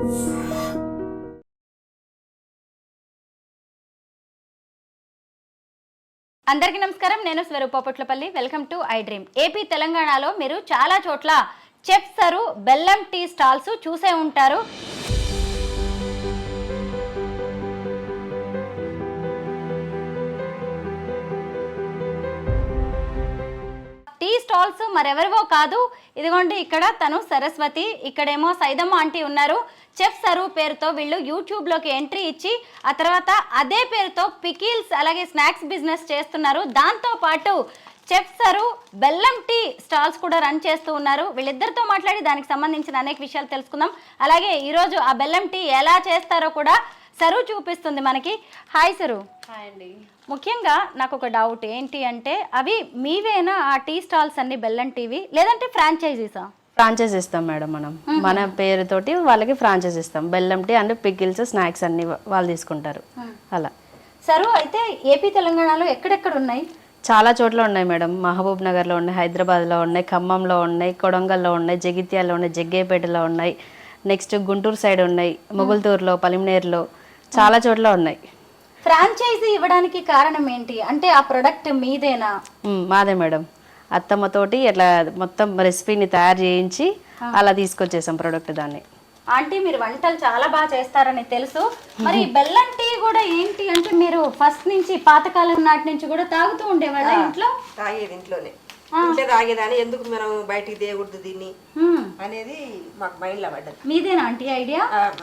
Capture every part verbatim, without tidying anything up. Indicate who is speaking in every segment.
Speaker 1: అందరికీ నమస్కారం. నేను Swaroopa Potlapalli. Welcome to I dream. AP తెలంగాణలో మీరు చాలా చోట్ల చెఫ్ సరు బెల్లం టీ స్టాల్స్ చూసే ఉంటారు. టీ స్టాల్స్ మరెవరివో కాదు, ఇదిగోండి ఇక్కడ తను సరస్వతి, ఇక్కడేమో సైదమ్మ ఆంటీ ఉన్నారు. చెఫ్ సరు పేరుతో వీళ్ళు యూట్యూబ్లోకి ఎంట్రీ ఇచ్చి ఆ తర్వాత అదే పేరుతో పికిల్స్ అలాగే స్నాక్స్ బిజినెస్ చేస్తున్నారు. దాంతోపాటు చెఫ్ సరు బెల్లం టీ స్టాల్స్ కూడా రన్ చేస్తూ ఉన్నారు. వీళ్ళిద్దరితో మాట్లాడి దానికి సంబంధించిన అనేక విషయాలు తెలుసుకుందాం. అలాగే ఈరోజు ఆ బెల్లం టీ ఎలా చేస్తారో కూడా సరు చూపిస్తుంది మనకి. Hi sir.
Speaker 2: హాయ్ అండి.
Speaker 1: ముఖ్యంగా నాకు ఒక డౌట్ ఏంటి అంటే, అవి మీవేనా ఆ టీ స్టాల్స్ అన్ని బెల్లం టీవి, లేదంటే ఫ్రాంచైజీసా?
Speaker 2: ఫ్రాంచైజ్ ఇస్తాం మేడం. మనం మన పేరుతోటి వాళ్ళకి ఫ్రాంచైజ్ ఇస్తాం. బెల్లం టీ అండ్ పికిల్స్ స్నాక్స్ అన్ని వాళ్ళు తీసుకుంటారు. అలా
Speaker 1: సరు అయితే ఏపీ తెలంగాణలో ఎక్కడెక్కడ ఉన్నాయి?
Speaker 2: చాలా చోట్ల ఉన్నాయి మేడం. మహబూబ్ నగర్లో ఉన్నాయి, హైదరాబాద్లో ఉన్నాయి, ఖమ్మంలో ఉన్నాయి, కొడంగల్లో ఉన్నాయి, జగిత్యాల్లో ఉన్నాయి, జగ్గేపేటలో ఉన్నాయి, నెక్స్ట్ గుంటూరు సైడ్ ఉన్నాయి, మొగుల్తూరులో, పలిమినేరులో చాలా చోట్ల ఉన్నాయి.
Speaker 1: ఫ్రాంచైజీ ఇవ్వడానికి కారణం ఏంటి అంటే, ఆ ప్రొడక్ట్ మీదేనా?
Speaker 2: మాదే మేడం. అత్తమ్మతోటి అట్లా మొత్తం రెసిపీని తయారు చేయించి అలా తీసుకొచ్చేసాం ప్రోడక్ట్. దాన్ని
Speaker 1: ఆంటీ మీరు వంటలు చాలా బాగా చేస్తారని తెలుసు. మరి బెల్లం టీ కూడా ఏంటి అంటే, మీరు ఫస్ట్ నుంచి పాతకాలం నాటి నుంచి కూడా తాగుతూ ఉండేవాళ్ళ ఇంట్లో?
Speaker 3: తాగేది ఇంట్లోనే, ఇంట్లో తాగేదాన్ని. ఎందుకు మనం బయటికి తేకూడదు దీన్ని అనేది మాకు మైండ్లో పడ్డది.
Speaker 1: మీదేనా ఆంటీ ఐడియా?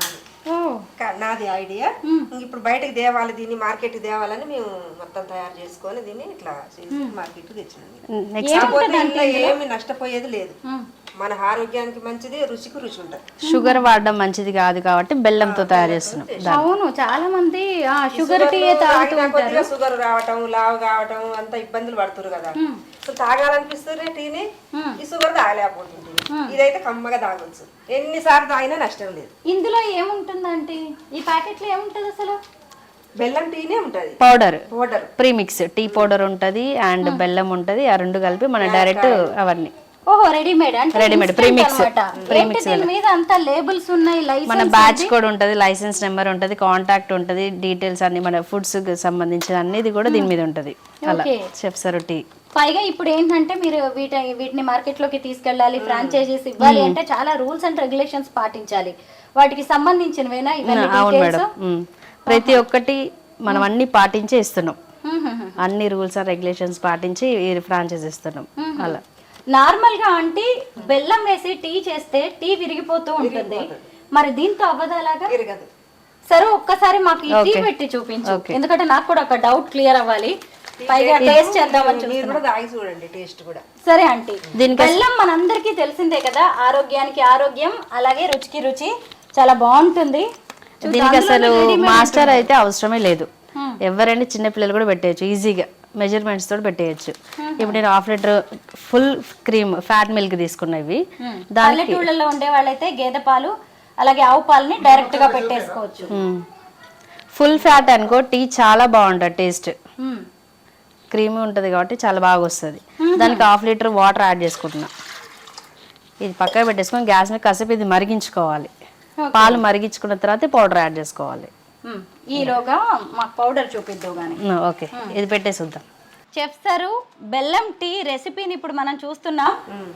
Speaker 3: నాది ఐడియా. ఇప్పుడు బయటకు తేవాలి, దీన్ని మార్కెట్ తేవాలని మేము మొత్తం తయారు చేసుకొని దీన్ని ఇట్లా మార్కెట్ తెచ్చినాం. ఏమి నష్టపోయేది లేదు. మన ఆరోగ్యానికి మంచిది, రుచికి రుచి ఉంటుంది.
Speaker 2: షుగర్ వాడడం మంచిది కాదు కాబట్టి బెల్లంతో తయారు చేస్తున్నాం.
Speaker 1: అవును, చాలా మంది షుగర్ టీ తాగుతూ ఉంటారు.
Speaker 3: షుగర్ రావటం, లావు కావటం అంత ఇబ్బందులు పడుతున్నారు కదా. తాగాలనిపిస్తుంది టీని, ఈ షుగర్ తాగలేకపోతుంది. ఇదైతే కమ్మగా తాగొచ్చు, ఎన్నిసార్లు తాగినా నష్టం లేదు.
Speaker 1: ఇందులో ఏముంటుందంటే, ఈ ప్యాకెట్ లో ఏముంటది అసలు?
Speaker 3: బెల్లం టీనే ఉంటది,
Speaker 2: powder
Speaker 3: powder
Speaker 2: premix tea powder ఉంటది అండ్ బెల్లం ఉంటది. ఆ రెండు కలిపి మన డైరెక్ట్ అవన్నీ.
Speaker 1: ఓహో, రెడీమేడ్ అంటే
Speaker 2: రెడీమేడ్ ప్రీమిక్స్.
Speaker 1: ప్రీమిక్స్ మీద అంతా లేబుల్స్ ఉన్నాయి,
Speaker 2: మన బ్యాచ్ కోడ్ ఉంటది, లైసెన్స్ నెంబర్ ఉంటది, కాంటాక్ట్ ఉంటది, డీటెయిల్స్ అన్ని మన ఫుడ్స్ కి సంబంధించిన అన్నిది కూడా దీని మీద ఉంటది. అలా చెఫ్ సరు టీ.
Speaker 1: పైగా ఇప్పుడు ఏంటంటే, మీరు వీటి వీటిని మార్కెట్ లోకి తీసుకెళ్ళాలి, ఫ్రాంచైజీస్ ఇవ్వాలి అంటే చాలా రూల్స్ అండ్ రెగ్యులేషన్స్ పాటించాలి. వాటికి సంబంధించినవేనా ఇవన్నీ?
Speaker 2: అవును మేడం, ప్రతి ఒక్కటి మనం అన్ని పాటించే ఇస్తున్నాం. అన్ని రూల్స్ అండ్ రెగ్యులేషన్స్ పాటించి ఫ్రాంచైజ్ ఇస్తున్నాం. అలా
Speaker 1: నార్మల్ గా అంటే బెల్లం వేసి టీ చేస్తే టీ విరిగిపోతూ ఉంటుంది, మరి దీంతో అవ్వదు అలాగా? సరే ఒక్కసారి మాకు ఈ టీ పెట్టి చూపించు, ఎందుకంటే నాకు కూడా ఒక డౌట్ క్లియర్ అవ్వాలి. పైగా టేస్ట్ చేద్దామని
Speaker 3: చూడండి, టేస్ట్ కూడా.
Speaker 1: సరే ఆంటీ, బెల్లం మనందరికీ తెలిసిందే కదా, ఆరోగ్యానికి ఆరోగ్యం అలాగే రుచికి రుచి, చాలా బాగుంటుంది.
Speaker 2: దీనికి అసలు మాస్టర్ అయితే అవసరమే లేదు. ఎవరైనా చిన్న పిల్లలు కూడా పెట్టేయచ్చు ఈజీగా, మెజర్మెంట్స్ తోటి పెట్టేయచ్చు. ఇప్పుడు నేను half litre full cream fat milk తీసుకున్నవి.
Speaker 1: పల్లెటూళ్ళలో ఉండే వాళ్ళైతే గేదె పాలు అలాగే ఆవు పాలని డైరెక్ట్ గా పెట్టేసుకోవచ్చు.
Speaker 2: ఫుల్ ఫ్యాట్ అనుకో టీ చాలా బాగుంటుంది, టేస్ట్ క్రీమీ ఉంటుంది కాబట్టి చాలా బాగా వస్తుంది. దానికి హాఫ్ లీటర్ వాటర్ యాడ్ చేసుకుంటున్నా. ఇది పక్కన పెట్టేసుకొని గ్యాస్ మీద కాసేపు ఇది మరిగించుకోవాలి. పాలు మరిగించుకున్న తర్వాత పౌడర్ యాడ్ చేసుకోవాలి.
Speaker 1: ఈలోగా మాకు పౌడర్ చూపిద్దాం కానీ.
Speaker 2: ఓకే, ఇది పెట్టేసి వద్దాం.
Speaker 1: చెఫ్ సరు బెల్లం టీ రెసిపీని ఇప్పుడు మనం చూస్తున్నాం.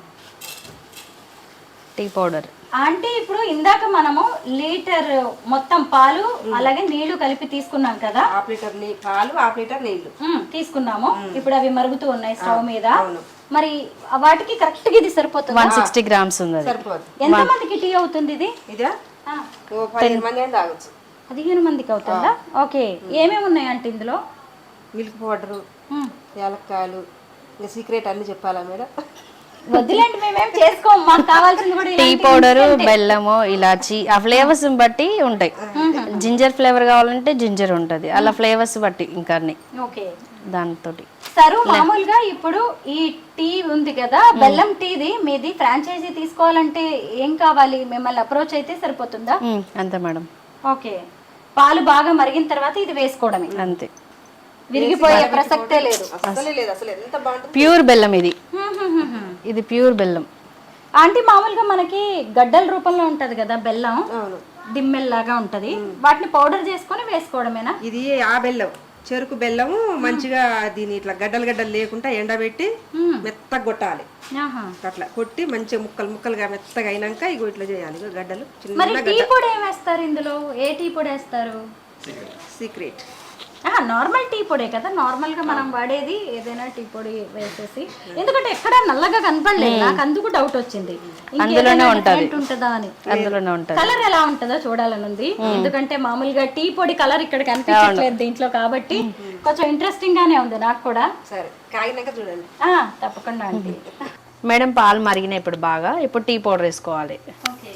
Speaker 2: టీ పౌడర్
Speaker 1: అంటే ఇప్పుడు ఇందాక మనము లీటర్ మొత్తం పాలు అలాగే నీళ్లు కలిపి తీసుకున్నాం కదా.
Speaker 3: హాఫ్ లీటర్ పాలు, హాఫ్ లీటర్ నీళ్లు
Speaker 1: తీసుకున్నాము. ఇప్పుడు అవి మరుగుతూ ఉన్నాయి స్టవ్ మీద. మరి వాటికి కరెక్ట్ గా ఇది సరిపోతుంది.
Speaker 2: వన్ సిక్స్టీ గ్రామ్స్ ఉంది.
Speaker 1: ఎంత మందికి టీ అవుతుంది ఇది?
Speaker 3: ఇదా పదిహేను మంది అయినా తాగొచ్చు.
Speaker 1: పదిహేను మందికి అవుతుందా? ఓకే. ఏమేమి ఉన్నాయి అంటే ఇందులో?
Speaker 3: మిల్క్ పౌడరు, యాలక్కాయలు, ఇంకా సీక్రెట్ అన్ని చెప్పాలా మేడం?
Speaker 1: వద్దులేండి, మేమేం చేసుకోము, మాకు కావాల్సింది కూడా
Speaker 2: టీ పౌడరు, బెల్లము, ఇలాచి ఆ ఫ్లేవర్స్ బట్టి ఉంటాయి. జింజర్ ఫ్లేవర్ కావాలంటే జింజర్ ఉంటది, అలా ఫ్లేవర్స్ బట్టి ఇంకా అన్ని.
Speaker 1: ఓకే,
Speaker 2: దాంతో
Speaker 1: సరు మామూలుగా ఇప్పుడు ఈ టీ ఉంది కదా, బెల్లం టీది మీది ఫ్రాంచైజీ తీసుకోవాలంటే ఏం కావాలి? మిమ్మల్ని అప్రోచ్ అయితే సరిపోతుందా?
Speaker 2: అంతే మేడం.
Speaker 1: ఓకే, పాలు బాగా మరిగిన తర్వాత ఇది వేసుకోవడమే
Speaker 2: అంతే,
Speaker 1: విరిగిపోయే ప్రసక్తే లేదు.
Speaker 3: అసలే లేదు, అసలు ఎంత బాగుంటుంది.
Speaker 2: ప్యూర్ బెల్లం ఇది, ఇది ప్యూర్ బెల్లం.
Speaker 1: ఆంటీ మామూలుగా మనకి గడ్డల రూపంలో ఉంటది కదా బెల్లం,
Speaker 3: అవును,
Speaker 1: దిమ్మెల్లాగా ఉంటది, వాటిని పౌడర్ చేసుకొని వేసుకోవడమేనా?
Speaker 3: ఇది ఆ బెల్లం, చెరుకు బెల్లము మంచిగా దీని ఇట్లా గడ్డలు గడ్డలు లేకుండా ఎండబెట్టి మెత్తగా కొట్టాలి.
Speaker 1: ఆహా.
Speaker 3: అట్లా కొట్టి మంచిగా ముక్కలు ముక్కలుగా మెత్తగా అయినాక ఇగో ఇట్లా చేయాలి. ఇగో గడ్డలు
Speaker 1: మరి
Speaker 3: చిన్న
Speaker 1: టీ పొడి ఏం వేస్తారు ఇందులో? ఏ టీ పొడి వేస్తారు?
Speaker 3: సీక్రెట్.
Speaker 1: నార్మల్ టీ పొడే కదా, నార్మల్ గా మనం వాడేది ఏదైనా టీ పొడి వేసేసి. ఎందుకంటే ఎక్కడ నల్లగా కనపడలేదు నాకు, అందుకు డౌట్ వచ్చింది
Speaker 2: అందులోనే ఉంటది
Speaker 1: ఉంటుందా అని.
Speaker 2: అందులోనే ఉంటది.
Speaker 1: కలర్ ఎలా ఉంటుందో చూడాలని ఉంది, ఎందుకంటే మామూలుగా టీ పొడి కలర్ ఇక్కడ కనిపించట్లేదు దీంట్లో, కాబట్టి కొంచెం ఇంట్రెస్టింగ్ గానే ఉంది నాకు కూడా.
Speaker 3: సరే కాగినాక చూడండి.
Speaker 1: ఆ తప్పకుండా అండి.
Speaker 2: మేడం పాలు మరిగినాయి ఇప్పుడు బాగా, ఇప్పుడు టీ పౌడర్ వేసుకోవాలి.
Speaker 1: ఓకే,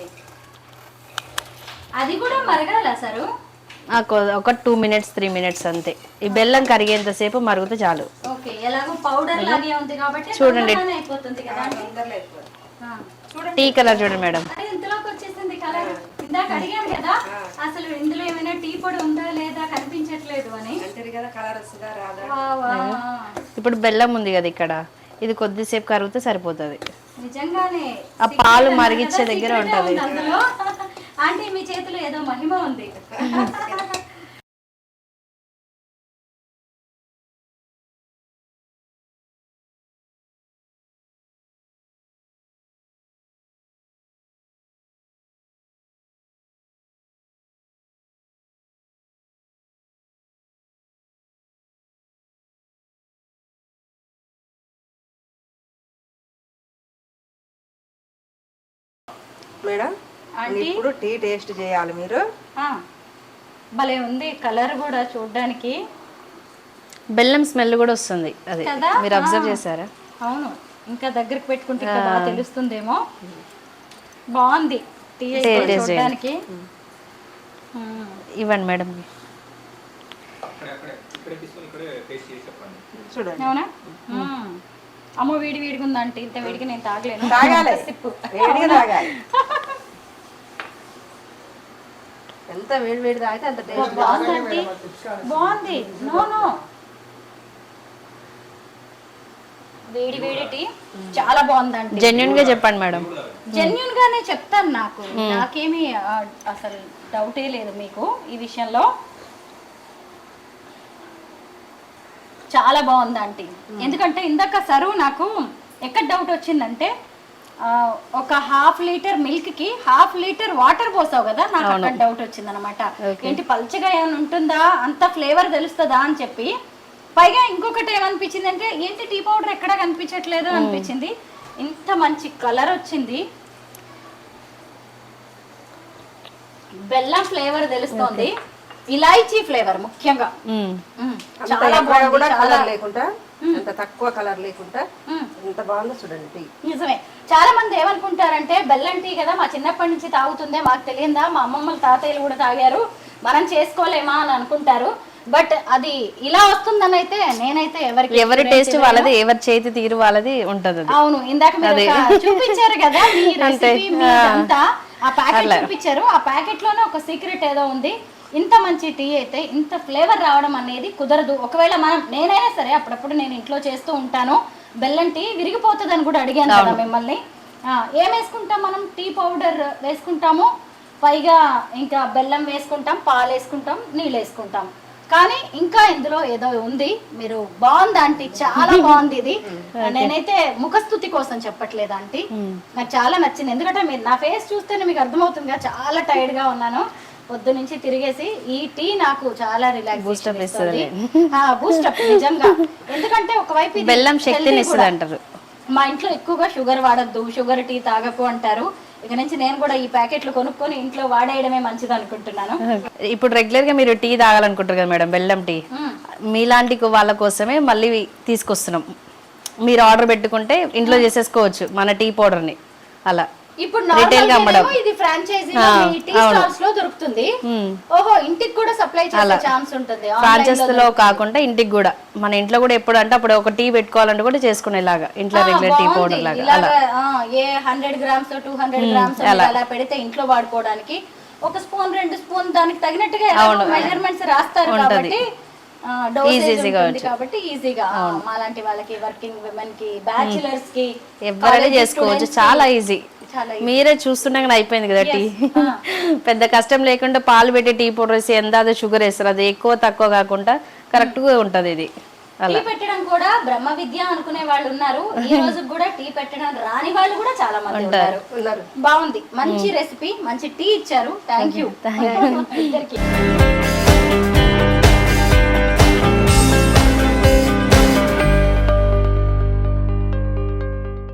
Speaker 1: అది కూడా మరగాల సారు?
Speaker 2: ఆ, కొ- ఒక టూ మినిట్స్ త్రీ మినిట్స్ అంతే. ఈ బెల్లం కరిగేంతసేపు మరుగుతే చాలు.
Speaker 1: ఓకే, ఎలాగో పౌడర్ లాగే ఉంది కాబట్టి
Speaker 2: చూడండి.
Speaker 1: తొందరగానే అయిపోతుంది కదా అండి. ఆ.
Speaker 2: టీ కలర్ చూడండి మేడం.
Speaker 1: అరే ఇంతలోకి వచ్చేసింది కలర్. ఇందాక అడిగాను కదా అసలు ఇందులో ఏమైనా టీ పొడి ఉందా లేదా కనిపించట్లేదు అని.
Speaker 3: అంతే కదా, కలర్ వస్తుందా రాదా?
Speaker 1: వా, వా.
Speaker 2: ఇప్పుడు బెల్లం ఉంది కదా ఇక్కడ, ఇది కొద్దిసేపు కరిగితే సరిపోతుంది.
Speaker 1: నిజంగానే
Speaker 2: ఆ పాలు మరిగిచ్చే దగ్గర
Speaker 1: secret ఏ
Speaker 2: ఉంటది.
Speaker 1: ఉంది అందులో. ఆంటీ మీ చేతిలో ఏదో మహిమ ఉంది.
Speaker 3: మేడం ఇప్పుడు టీ టేస్ట్ చేయాలి మీరు.
Speaker 1: ఆ, భలే ఉంది కలర్ కూడా చూడడానికి.
Speaker 2: బెల్లం స్మెల్ కూడా వస్తుంది, అది
Speaker 1: కదా?
Speaker 2: మీరు అబ్జర్వ్ చేశారా?
Speaker 1: అవును, ఇంకా దగ్గరికి పెట్టుకుంటే ఇంకా బాగా తెలుస్తుందేమో. బాగుంది టీ అయితే
Speaker 2: Taste
Speaker 1: చూడడానికి.
Speaker 2: ఇవ్వండి మేడం.
Speaker 3: చూడండి.
Speaker 1: అవునా? మ్మ్. అమ్మో వేడి వేడిగా ఉందంటే ఇంత వేడిగా నేను తాగలేను.
Speaker 3: తాగాలి,
Speaker 1: సిప్పు.
Speaker 3: వేడిగా తాగాలి. ఎంత వేడి వేడి తాగితే అంత టేస్ట్.
Speaker 1: బాగుందండి, బాగుంది. నో నో వేడి వేడి టీ చాలా బాగుందండి.
Speaker 2: జెన్యున్ గా చెప్పండి మేడం.
Speaker 1: జెన్యున్ గానే చెప్తాను, నాకు నాకేమీ ఆ, అసలు డౌటే లేదు మీకు ఈ విషయంలో. చాలా బాగుంది ఆంటీ. ఎందుకంటే ఇందాక సరువు నాకు ఎక్కడ డౌట్ వచ్చిందంటే ఆ, ఒక హాఫ్ లీటర్ మిల్క్ కి హాఫ్ లీటర్ వాటర్ పోసావు కదా, నాకు అక్కడ డౌట్ వచ్చింది అనమాట. ఏంటి పల్చగా ఏమైనా ఉంటుందా, అంత ఫ్లేవర్ తెలుస్తుందా అని చెప్పి. పైగా ఇంకొకటి ఏమనిపించింది అంటే ఏంటి టీ పౌడర్ ఎక్కడా కనిపించట్లేదు అనిపించింది. ఇంత మంచి కలర్ వచ్చింది, బెల్లం ఫ్లేవర్ తెలుస్తోంది, ఇలాయచీ ఫ్లేవర్ ముఖ్యంగా.
Speaker 2: మ్మ్.
Speaker 1: మ్మ్.
Speaker 3: అంత
Speaker 1: చాలా
Speaker 3: ఎక్కువ
Speaker 1: బాగుంది,
Speaker 3: కూడా
Speaker 1: చాలా
Speaker 3: కలర్ లేకుండా, అంత తక్కువ కలర్ లేకుండా ఎంత బాగుందో చూడండి టీ.
Speaker 1: నిజమే. చాలా మంది ఏమనుకుంటారంటే బెల్లం టీ కదా మా చిన్నప్పటి నుంచి తాగుతుందే, మాకు తెలియదా, మా అమ్మమ్మలు తాతయ్యలు కూడా తాగారు, మనం చేసుకోలేమా అని అనుకుంటారు. బట్ అది ఇలా వస్తుందని అయితే నేనైతే ఎవరికి
Speaker 2: ఎవరి టేస్ట్ వాళ్ళది, ఎవరి చేతి తీరు వాళ్ళది ఉంటది అది.
Speaker 1: అవును, ఇందాక మీరు ఒక చూపించారు కదా మీ రెసిపీ మీదంతా, ఆ ప్యాకెట్ చూపించారు. ఆ ప్యాకెట్ లోనే ఒక సీక్రెట్ ఏదో ఉంది. ఇంత మంచి టీ అయితే ఇంత ఫ్లేవర్ రావడం అనేది కుదరదు. ఒకవేళ మనం నేనైనా సరే అప్పుడప్పుడు నేను ఇంట్లో చేస్తూ ఉంటాను, బెల్లం టీ విరిగిపోతుంది అని కూడా అడిగాను కదా మిమ్మల్ని. ఏం వేసుకుంటాం మనం? టీ పౌడర్ వేసుకుంటాము, పైగా ఇంకా బెల్లం వేసుకుంటాం, పాలు వేసుకుంటాం, నీళ్ళు వేసుకుంటాం. కానీ ఇంకా ఇందులో ఏదో ఉంది. మీరు బాగుంది ఆంటీ, చాలా బాగుంది ఇది. నేనైతే ముఖస్థుతి కోసం చెప్పట్లేదు ఆంటీ, నాకు చాలా నచ్చింది. ఎందుకంటే మీరు నా ఫేస్ చూస్తేనే మీకు అర్థమవుతుంది, చాలా టైర్డ్ గా ఉన్నాను పొద్దు నుంచి తిరిగేసి. ఈ టీ నాకు చాలా రిలాక్స్ బూస్టప్ ఇస్తుంది, బూస్టప్ నిజంగా. ఎందుకంటే ఒకవైపు ఇది
Speaker 2: బెల్లం శక్తిని
Speaker 1: healthy
Speaker 2: ఇస్తుంది
Speaker 1: కూడా.
Speaker 2: అంటారు.
Speaker 1: మా ఇంట్లో ఎక్కువగా షుగర్ వాడద్దు, షుగర్ టీ తాగకు అంటారు. ఇక నుంచి నేను కూడా ఈ ప్యాకెట్లు కొనుక్కొని ఇంట్లో వాడేయడమే మంచిది అనుకుంటున్నాను.
Speaker 2: ఇప్పుడు రెగ్యులర్ గా మీరు టీ తాగాలనుకుంటారు కదా మేడం, బెల్లం టీ. మీలాంటి వాళ్ళ కోసమే మళ్ళీ తీసుకొస్తున్నాం. మీరు ఆర్డర్ పెట్టుకుంటే ఇంట్లో చేసేసుకోవచ్చు మన టీ పౌడర్ ని. అలా
Speaker 1: ఇప్పుడు
Speaker 2: రిటైల్ గా అమ్మడం,
Speaker 1: ఇది ఫ్రాంచైజీ టీ స్టాల్స్ లో దొరుకుతుంది. ఓహో, ఇంటికి కూడా సప్లై చేసే ఛాన్స్ ఉంటుంది.
Speaker 2: ఫ్రాంచైజ్ లో కాకుండా ఇంటికి కూడా, మన ఇంట్లో కూడా ఎప్పుడు అంటే అప్పుడు ఒక టీ పెట్టుకోవాలంటే కూడా చేసుకునేలాగా ఇంట్లో రెగ్యులర్ టీ పౌడర్ లాగా.
Speaker 1: ఇలాగా a hundred grams two hundred grams అలా పెడితే ఇంట్లో వాడుకోవడానికి ఒక స్పూన్ రెండు స్పూన్ దానికి తగినట్టుగా మెజర్మెంట్స్ రాస్తారు కాబట్టి ఈజీగా కాబట్టి ఈజీగా మాలాంటి వాళ్ళకి వర్కింగ్ విమెన్ కి బ్యాచిలర్స్ కి
Speaker 2: ఎవరైనా చేసుకోవచ్చు, చాలా ఈజీ. మీరే చూస్తుండగానే అయిపోయింది కదా టీ. పెద్ద కష్టం లేకుండా పాలు పెట్టి టీ పౌడర్ వేసి ఎంత షుగర్ వేస్తారు, అది ఎక్కువ తక్కువ కాకుండా కరెక్ట్ గా ఉంటది ఇది.
Speaker 1: టీ పెట్టడం కూడా బ్రహ్మ విద్య అనుకునే వాళ్ళు ఉన్నారు, ఈ రోజు కూడా టీ పెట్టడం రాని వాళ్ళు కూడా చాలా మంది ఉన్నారు. బాగుంది, మంచి రెసిపీ, మంచి టీ ఇచ్చారు. Thank you.